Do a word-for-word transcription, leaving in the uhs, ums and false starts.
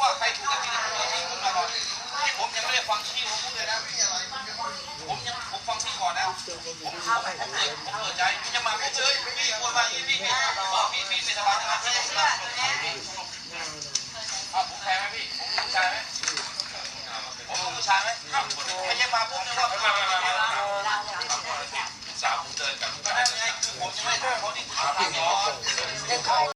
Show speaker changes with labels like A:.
A: ว่าใครถูกกับที่ที่คุณมาก่อนที่ผมยังไม่ได้ฟังที่ผมพูดเลยนะผมยังผมฟังที่ก่อนนะผมผมผมเปิดผมเปิดใจจะมาผมเลยพี่ควรมาอย่างนี้พี่พี่พี่พี่ไม่สบายนะพี่อ่ะผมแพ้ไหมพี่ผมผู้ชายไหมผมผู้ชายไหมไม่ใช่มาปุ๊บเนี่ยว่าสาวผมเดินกันก็ได้ไงคือผมยังไม่ได้เขาที่ถามก่อน